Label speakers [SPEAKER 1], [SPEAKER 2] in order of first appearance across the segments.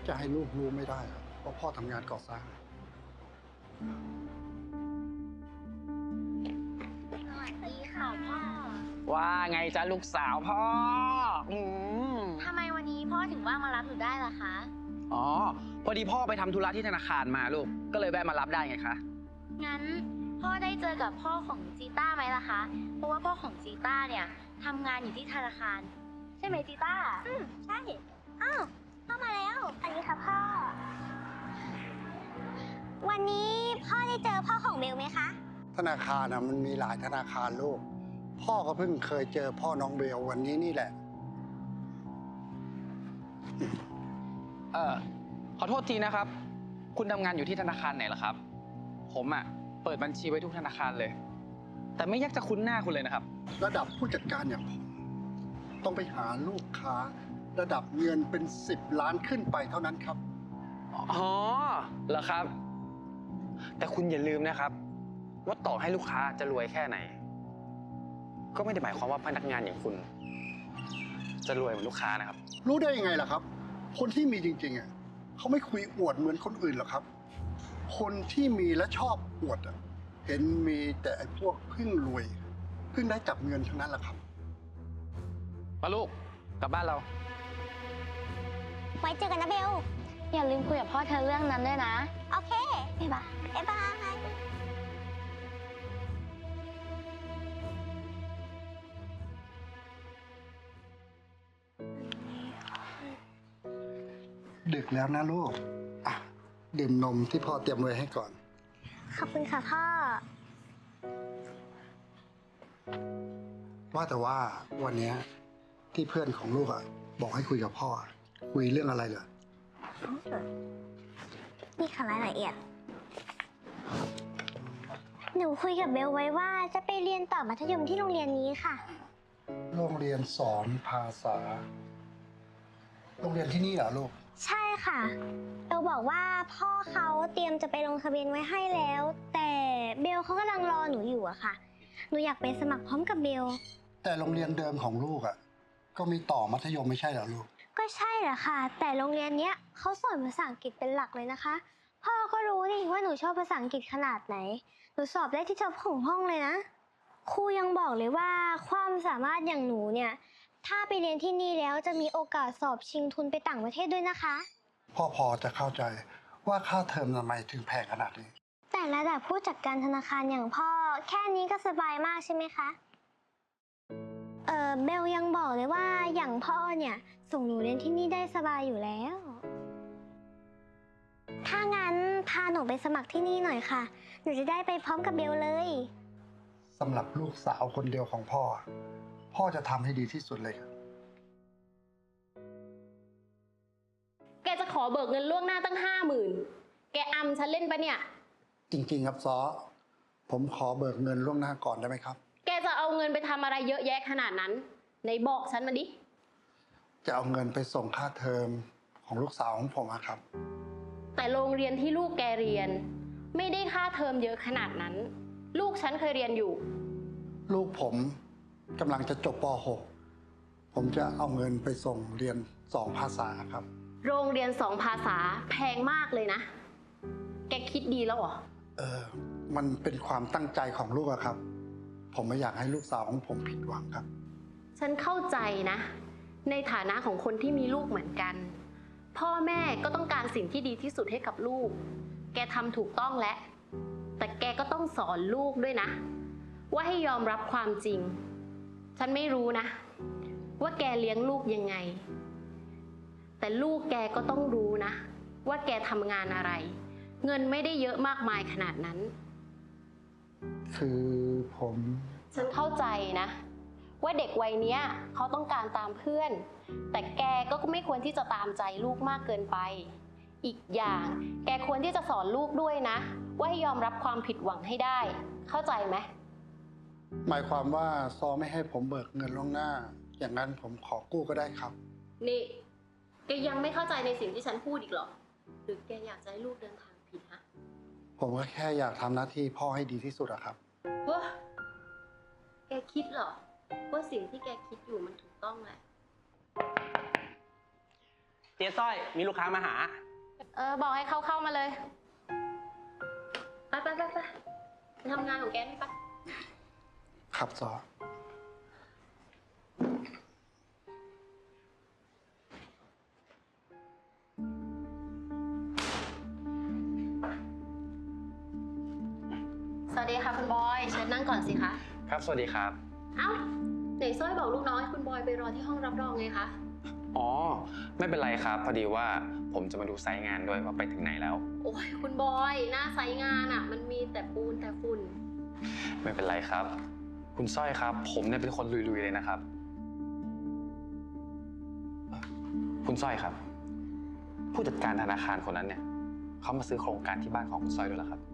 [SPEAKER 1] จะให้ลูกรู้ไม่ได้เพราะพ่อทำงานก่อสร้าง
[SPEAKER 2] สวัสดีค่ะพ่อ
[SPEAKER 3] ว่าไงจ๊ะลูกสาวพ่อ
[SPEAKER 2] ทำไมวันนี้พ่อถึงว่างมารับหนูได้ล่ะคะ
[SPEAKER 3] อ๋อพอดีพ่อไปทำธุระที่ธนาคารมาลูกก็เลยแวะมารับได้ไงคะ
[SPEAKER 2] งั้นพ่อได้เจอกับพ่อของจีต้าไหมล่ะคะเพราะว่าพ่อของจีต้าเนี่ยทำงานอยู่ที่ธนาคารใช่ไหมจีต้าใช่อ้าวพ่อมาแล้วอันนี้ค่ะพ่อวันนี้พ่อได้เจอพ่อของเบลไหมคะ
[SPEAKER 1] ธนาคารมันมีหลายธนาคารลูกพ่อก็เพิ่งเคยเจอพ่อน้องเบลวันนี้นี่แหละ
[SPEAKER 3] ขอโทษทีนะครับคุณทำงานอยู่ที่ธนาคารไหนล่ะครับผมเปิดบัญชีไว้ทุกธนาคารเลยแต่ไม่อยากจะคุ้นหน้าคุณเลยนะครับ
[SPEAKER 1] ระดับผู้จัดการอย่างผมต้องไปหาลูกค้าระดับเงินเป็น10 ล้านขึ้นไปเท่านั้นครับ
[SPEAKER 3] อ๋อเหรอครับแต่คุณอย่าลืมนะครับว่าต่อให้ลูกค้าจะรวยแค่ไหนก็ไม่ได้หมายความว่าพนักงานอย่างคุณจะรวยเหมือนลูกค้านะครับ
[SPEAKER 1] รู้ได้ยังไงล่ะครับคนที่มีจริงๆเขาไม่คุยอวดเหมือนคนอื่นหรอกครับคนที่มีและชอบอวดเห็นมีแต่ไอ้พวกเพิ่งรวยเพิ่งได้จับเงินทั้งนั้นแหละครับ
[SPEAKER 3] มาลูกกลับบ้านเรา
[SPEAKER 2] ไว้เจอกันนะเบลอย่าลืมคุยกับพ่อเธอเรื่องนั้นด้วยนะโอเคบ๊ายบายบ๊ายบาย
[SPEAKER 1] ดึกแล้วนะลูกดื่มนมที่พ่อเตรียมไว้ให้ก่อน
[SPEAKER 2] ขอบคุณค่ะพ่อ
[SPEAKER 1] ว่าแต่ว่าวันนี้ที่เพื่อนของลูกบอกให้คุยกับพ่อคุยเรื่องอะไรเหรอ
[SPEAKER 2] นี่ค่ะรายละเอียดหนูคุยกับเบลไว้ว่าจะไปเรียนต่อมัธยมที่โรงเรียนนี้ค่ะ
[SPEAKER 1] โรงเรียนสอนภาษาโรงเรียนที่นี่เหรอลูก
[SPEAKER 2] ใช่ค่ะเบลบอกว่าพ่อเขาเตรียมจะไปลงทะเบียนไว้ให้แล้วแต่เบลเขากำลังรอหนูอยู่อะค่ะหนูอยากไปสมัครพร้อมกับเบล
[SPEAKER 1] แต่โรงเรียนเดิมของลูกก็มีต่อมัธยมไม่ใช่เหรอลูก
[SPEAKER 2] ก็ใช่แหละค่ะแต่โรงเรียนเนี้ยเขาสอนภาษาอังกฤษเป็นหลักเลยนะคะพ่อก็รู้นี่ว่าหนูชอบภาษาอังกฤษขนาดไหนหนูสอบได้ที่ท็อปของห้องเลยนะครูยังบอกเลยว่าความสามารถอย่างหนูเนี่ยถ้าไปเรียนที่นี่แล้วจะมีโอกาสสอบชิงทุนไปต่างประเทศด้วยนะคะ
[SPEAKER 1] พ่อพอจะเข้าใจว่าค่าเทอมทำไมถึงแพงขนาดนี้
[SPEAKER 2] แต่ระดับผู้จัดการธนาคารอย่างพ่อแค่นี้ก็สบายมากใช่ไหมคะเบลยังบอกเลยว่าอย่างพ่อเนี่ยส่งหนูเรียนที่นี่ได้สบายอยู่แล้วถ้างั้นพาหนูไปสมัครที่นี่หน่อยค่ะหนูจะได้ไปพร้อมกับเบลเลย
[SPEAKER 1] สำหรับลูกสาวคนเดียวของพ่อพ่อจะทำให้ดีที่สุดเลย
[SPEAKER 4] แกจะขอเบิกเงินล่วงหน้าตั้ง50,000แกอำฉันเล่นปะเนี่ย
[SPEAKER 1] จริงๆครับซ้อผมขอเบิกเงินล่วงหน้าก่อนได้ไหมครับ
[SPEAKER 4] แกจะเอาเงินไปทำอะไรเยอะแยะขนาดนั้นไหนบอกฉันมาดิ
[SPEAKER 1] จะเอาเงินไปส่งค่าเทอมของลูกสาวของผมครับ
[SPEAKER 4] แต่โรงเรียนที่ลูกแกเรียนไม่ได้ค่าเทอมเยอะขนาดนั้นลูกฉันเคยเรียนอยู่
[SPEAKER 1] ลูกผมกำลังจะจบป .6 ผมจะเอาเงินไปส่งเรียน2 ภาษาครับ
[SPEAKER 4] โรงเรียน2 ภาษาแพงมากเลยนะแกคิดดีแล้วเหรอ
[SPEAKER 1] มันเป็นความตั้งใจของลูกครับผมไม่อยากให้ลูกสาวของผมผิดหวังครับ
[SPEAKER 4] ฉันเข้าใจนะในฐานะของคนที่มีลูกเหมือนกันพ่อแม่ก็ต้องการสิ่งที่ดีที่สุดให้กับลูกแกทำถูกต้องแล้วแต่แกก็ต้องสอนลูกด้วยนะว่าให้ยอมรับความจริงฉันไม่รู้นะว่าแกเลี้ยงลูกยังไงแต่ลูกแกก็ต้องรู้นะว่าแกทำงานอะไรเงินไม่ได้เยอะมากมายขนาดนั้น
[SPEAKER 1] คือ
[SPEAKER 4] ฉันเข้าใจนะว่าเด็กวัยนี้เขาต้องการตามเพื่อนแต่แกก็ไม่ควรที่จะตามใจลูกมากเกินไปอีกอย่างแกควรที่จะสอนลูกด้วยนะว่าให้ยอมรับความผิดหวังให้ได้เข้าใจไหม
[SPEAKER 1] หมายความว่าซอไม่ให้ผมเบิกเงินล่วงหน้าอย่างนั้นผมขอกู้ก็ได้ครับ
[SPEAKER 4] นี่แกยังไม่เข้าใจในสิ่งที่ฉันพูดอีกเหรอหรือแกอยากจะให้ลูกเดินทางผิดฮะ
[SPEAKER 1] ผมก็แค่อยากทำหน้าที่พ่อให้ดีที่สุดอะครับ
[SPEAKER 4] แกคิดเหรอว่าสิ่งที่แกคิดอยู่มันถูกต้องแหละ
[SPEAKER 5] เจ๊ต้อยมีลูกค้ามาหา
[SPEAKER 4] บอกให้เขาเข้ามาเลย ไปทำงานของแกนี่ปะ
[SPEAKER 1] ครับซอ
[SPEAKER 4] สวัสดีค่ะคุณบอย เชิญนั่งก่อนสิคะ
[SPEAKER 3] ครับ สวัสดีครับ
[SPEAKER 4] เอ้าไหนซ้อยบอกลูกน้องให้คุณบอยไปรอที่ห้องรับรองไงคะ
[SPEAKER 3] อ๋อ ไม่เป็นไรครับ พอดีว่าผมจะมาดูไซต์งานด้วยว่าไปถึงไหนแล้ว
[SPEAKER 4] โอ้ยคุณบอยหน้าไซต์งานอ่ะ มันมีแต่ปูนแต่ฝุ่น
[SPEAKER 3] ไม่เป็นไรครับ คุณสร้อยครับ ผมเนี่ยเป็นคนลุยๆเลยนะครับ คุณสร้อยครับ ผู้จัดการธนาคารคนนั้นเนี่ยเขามาซื้อโครงการที่บ้านของคุณสร้อยด้วยเหรอครับ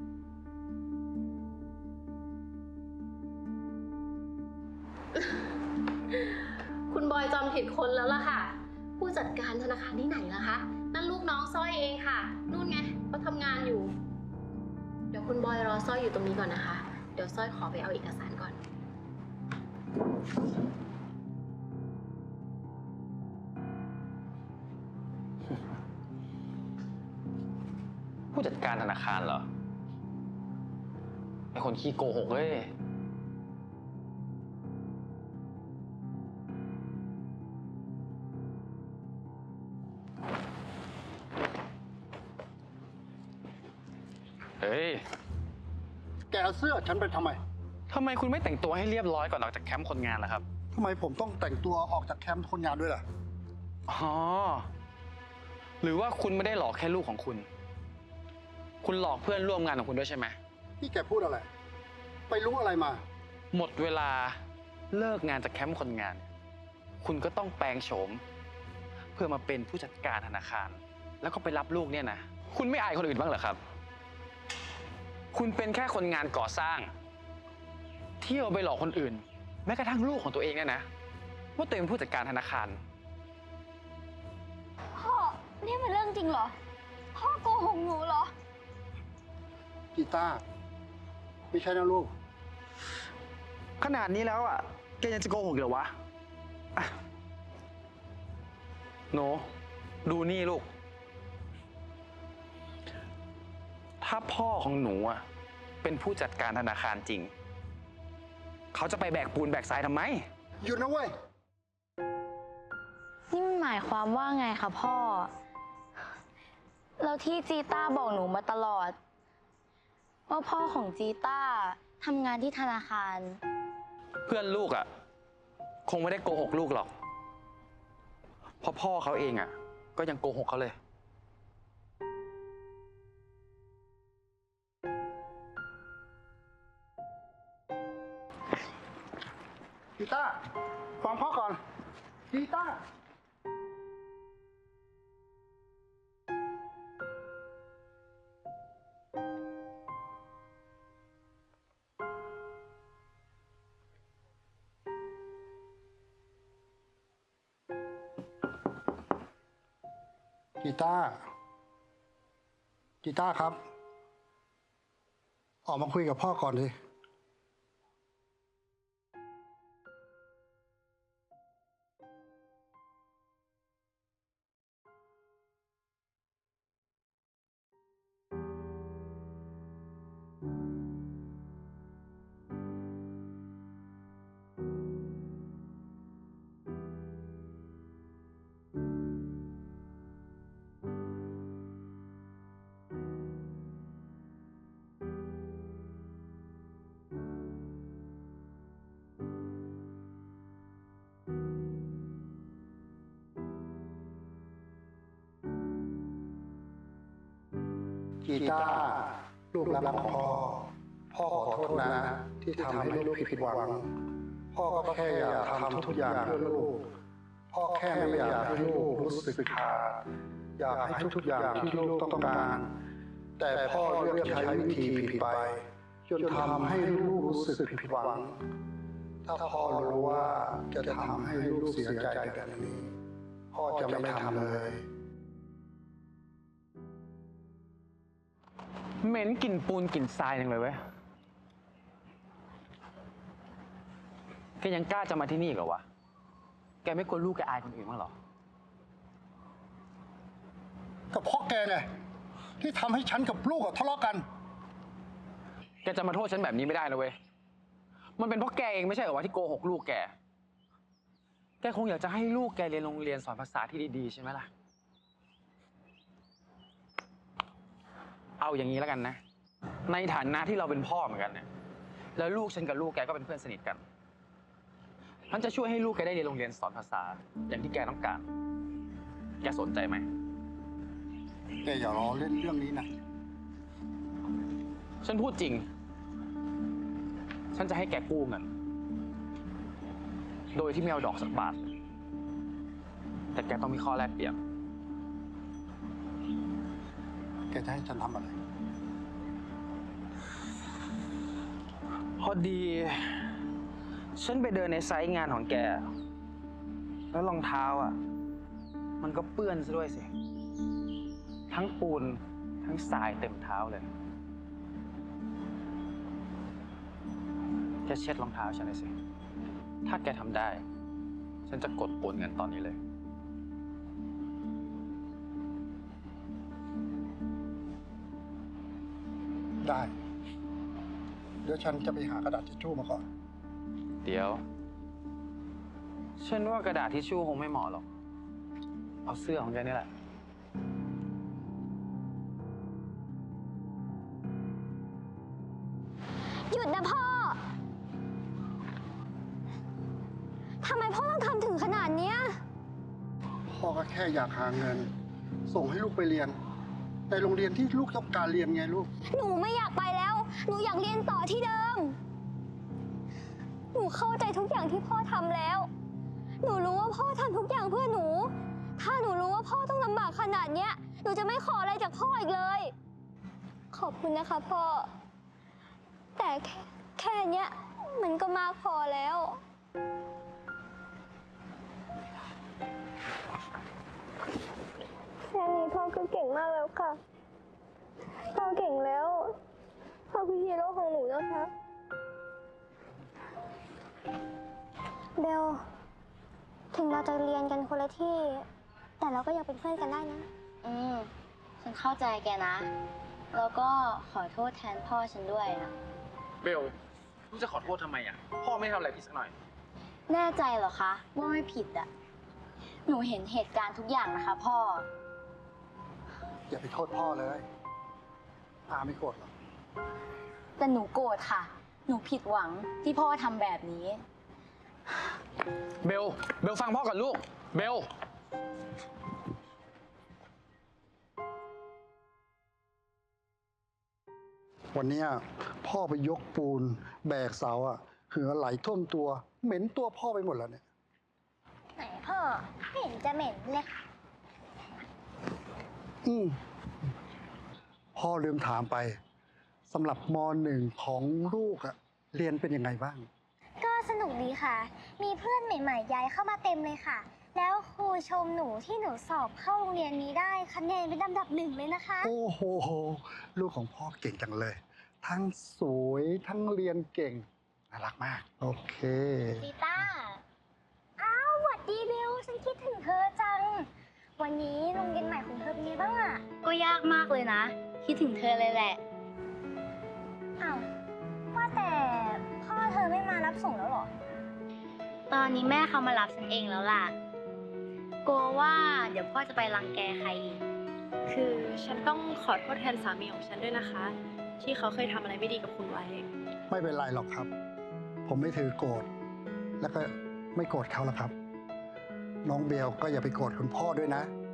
[SPEAKER 4] คุณบอยจำผิดคนแล้วล่ะค่ะ ผู้จัดการธนาคารที่ไหนล่ะคะ นั่นลูกน้องสร้อยเองค่ะ นู่นไงเขาทำงานอยู่ เดี๋ยวคุณบอยรอสร้อยอยู่ตรงนี้ก่อนนะคะ เดี๋ยวสร้อยขอไปเอาเอกสารก่อน
[SPEAKER 3] ผู้จัดการธนาคารเหรอไอคนขี้โกหกเว้ยเฮ้ย
[SPEAKER 1] แกเอาเสื้อฉันไปทำไม
[SPEAKER 3] ทำไมคุณไม่แต่งตัวให้เรียบร้อยก่อนออกจากแคมป์คนงานล่ะครับ
[SPEAKER 1] ทำไมผมต้องแต่งตัวออกจากแคมป์คนงานด้วยล่ะ
[SPEAKER 3] อ๋อ หรือว่าคุณไม่ได้หลอกแค่ลูกของคุณ คุณหลอกเพื่อนร่วมงานของคุณด้วยใช่ไหม
[SPEAKER 1] นี่แกพูดอะไร ไปรู้อะไรมา
[SPEAKER 3] หมดเวลาเลิกงานจากแคมป์คนงาน คุณก็ต้องแปลงโฉม เพื่อมาเป็นผู้จัดการธนาคาร แล้วก็ไปรับลูกเนี่ยนะ คุณไม่อายคนอื่นบ้างเหรอครับ คุณเป็นแค่คนงานก่อสร้าง เที่ยวไปหลอกคนอื่น แม้กระทั่งลูกของตัวเองเนี่ยนะว่าตัวเองเป็นผู้จัดการธนาคาร
[SPEAKER 2] พ่อ นี่มันเรื่องจริงเหรอ พ่อโกหกหนูเหรอ
[SPEAKER 1] กีตาร์ไม่ใช่นะลูก
[SPEAKER 3] ขนาดนี้แล้วอ่ะแกยังจะโกหกเหรอวะอ่ะหนูดูนี่ลูก ถ้าพ่อของหนูอ่ะเป็นผู้จัดการธนาคารจริง เขาจะไปแบกปูนแบกทรายทำไม
[SPEAKER 1] หยุดนะเว้ย
[SPEAKER 6] นี่มันหมายความว่าไงคะพ่อ แล้วที่จีต้าบอกหนูมาตลอด ว่าพ่อของจีต้าทำงานที่ธนาคาร
[SPEAKER 3] เพื่อนลูกอ่ะคงไม่ได้โกหกลูกหรอก เพราะพ่อเขาเองอ่ะก็ยังโกหกเขาเลย
[SPEAKER 1] กีตาร์ฟังพ่อก่อน กีตาร์กีตาร์กีตาร์ครับ ออกมาคุยกับพ่อก่อนดิ กีตาร์ลูกรักของพ่อ พ่อขอโทษนะ ที่ทำให้ลูกผิดหวัง พ่อก็แค่อยากทำทุกอย่างเพื่อลูก พ่อแค่ไม่อยากให้ลูกรู้สึกขาด อยากให้ทุกอย่างที่ลูกต้องการ แต่พ่อเลือกใช้วิธีผิดไป จนทำให้ลูกรู้สึกผิดหวัง ถ้าพ่อรู้ว่าจะทำให้ลูกเสียใจแบบนี้ พ่อจะไม่ทำเลย
[SPEAKER 3] เหม็นกลิ่นปูนกลิ่นทรายจังเลยเว้ย แกยังกล้าจะมาที่นี่อีกเหรอวะ แกไม่กลัวลูกแกอายคนอื่นบ้างเหรอ
[SPEAKER 1] ก็เพราะแกไงที่ทำให้ฉันกับลูกทะเลาะกัน
[SPEAKER 3] แกจะมาโทษฉันแบบนี้ไม่ได้นะเว้ย มันเป็นเพราะแกเองไม่ใช่เหรอวะที่โกหกลูกแก แกคงอยากจะให้ลูกแกเรียนโรงเรียนสอนภาษาที่ดีๆใช่ไหมล่ะ เอาอย่างนี้แล้วกันนะ ในฐานะที่เราเป็นพ่อเหมือนกันเนี่ย แล้วลูกฉันกับลูกแกก็เป็นเพื่อนสนิทกันฉันจะช่วยให้ลูกแกได้เรียนโรงเรียนสอนภาษาอย่างที่แกต้องการ แกสนใจไหม
[SPEAKER 1] แกอย่ารอเล่นเรื่องนี้นะ
[SPEAKER 3] ฉันพูดจริง ฉันจะให้แกกู้เงิน โดยที่ไม่เอาดอกสักบาท แต่แกต้องมีข้อแลกเปลี่ยน
[SPEAKER 1] แกจะให้ฉันทำอะไร
[SPEAKER 3] พอดี ฉันไปเดินในไซต์งานของแก แล้วรองเท้าอ่ะ มันก็เปื้อนซะด้วยสิ ทั้งปูน ทั้งทรายเต็มเท้าเลย แกเช็ดรองเท้าฉันเลยสิ ถ้าแกทำได้ ฉันจะกดโอนเงินตอนนี้เลย
[SPEAKER 1] ได้ เดี๋ยวฉันจะไปหากระดาษทิชชู่มาก่อน
[SPEAKER 3] เดี๋ยว ฉันว่ากระดาษทิชชู่คงไม่เหมาะหรอก เอาเสื้อของแกนี่แหละ
[SPEAKER 2] หยุดนะพ่อ ทำไมพ่อต้องทำถึงขนาดเนี้ย
[SPEAKER 1] พ่อก็แค่อยากหาเงิน ส่งให้ลูกไปเรียน ในโรงเรียนที่ลูกต้องการเรียนไงลูก
[SPEAKER 2] หนูไม่อยากไปแล้ว หนูอยากเรียนต่อที่เดิม หนูเข้าใจทุกอย่างที่พ่อทำแล้ว หนูรู้ว่าพ่อทำทุกอย่างเพื่อหนู ถ้าหนูรู้ว่าพ่อต้องลำบากขนาดเนี้ย หนูจะไม่ขออะไรจากพ่ออีกเลย ขอบคุณนะคะพ่อ แต่แค่เนี้ยมันก็มากพอแล้ว แค่นี้พ่อก็เก่งมากแล้วค่ะ พ่อเก่งแล้ว พ่อคือฮีโร่ของหนูนะคะ เบล ถึงเราจะเรียนกันคนละที่ แต่เราก็ยังเป็นเพื่อนกันได้นะ
[SPEAKER 6] ฉันเข้าใจแกนะ แล้วก็ขอโทษแทนพ่อฉันด้วยนะ
[SPEAKER 3] เบลลูกจะขอโทษทำไมอ่ะ พ่อไม่ทำอะไรผิดสักหน่อย
[SPEAKER 6] แน่ใจเหรอคะว่าไม่ผิดอะหนูเห็นเหตุการณ์ทุกอย่างนะคะพ่อ
[SPEAKER 1] อย่าไปโทษพ่อเลยอาไม่โกรธหรอก
[SPEAKER 6] แต่หนูโกรธค่ะ หนูผิดหวังที่พ่อทำแบบนี้
[SPEAKER 3] เบลฟังพ่อก่อนลูก เบล
[SPEAKER 1] วันเนี้ยพ่อไปยกปูน แบกเสาอะเหงื่อไหลท่วมตัว เหม็นตัวพ่อไปหมดแล้วเนี่ย
[SPEAKER 2] ไหนพ่อไม่เห็นจะเหม็นเลย
[SPEAKER 1] พ่อลืมถามไปสำหรับม .1 ของลูกอะเรียนเป็นยังไงบ้าง
[SPEAKER 2] ก็สนุกดีค่ะ มีเพื่อนใหม่ๆย้ายเข้ามาเต็มเลยค่ะ แล้วครูชมหนูที่หนูสอบเข้าโรงเรียนนี้ได้คะแนนเป็นอันดับ 1เลยนะคะ
[SPEAKER 1] โอ้โห ลูกของพ่อเก่งจังเลย ทั้งสวยทั้งเรียนเก่ง น่ารักมาก โอเค
[SPEAKER 2] จีต้า อ้าวหวัดดีเบล ฉันคิดถึงเธอจัง วันนี้โรงเรียนใหม่ของเธอเป็นไงบ้างอะ
[SPEAKER 6] ก็ยากมากเลยนะ คิดถึงเธอเลยแหละ
[SPEAKER 2] อ้าวว่าแต่พ่อเธอไม่มารับส่งแล้วเหรอ
[SPEAKER 6] ตอนนี้แม่เขามารับฉันเองแล้วล่ะ กลัวว่าเดี๋ยวพ่อจะไปรังแกใครอีก
[SPEAKER 5] คือฉันต้องขอโทษแทนสามีของฉันด้วยนะคะ ที่เขาเคยทำอะไรไม่ดีกับคุณไว้
[SPEAKER 1] ไม่เป็นไรหรอกครับ ผมไม่ถือโกรธ แล้วก็ไม่โกรธเขาหรอกครับ น้องเบลก็อย่าไปโกรธคุณพ่อด้วยนะ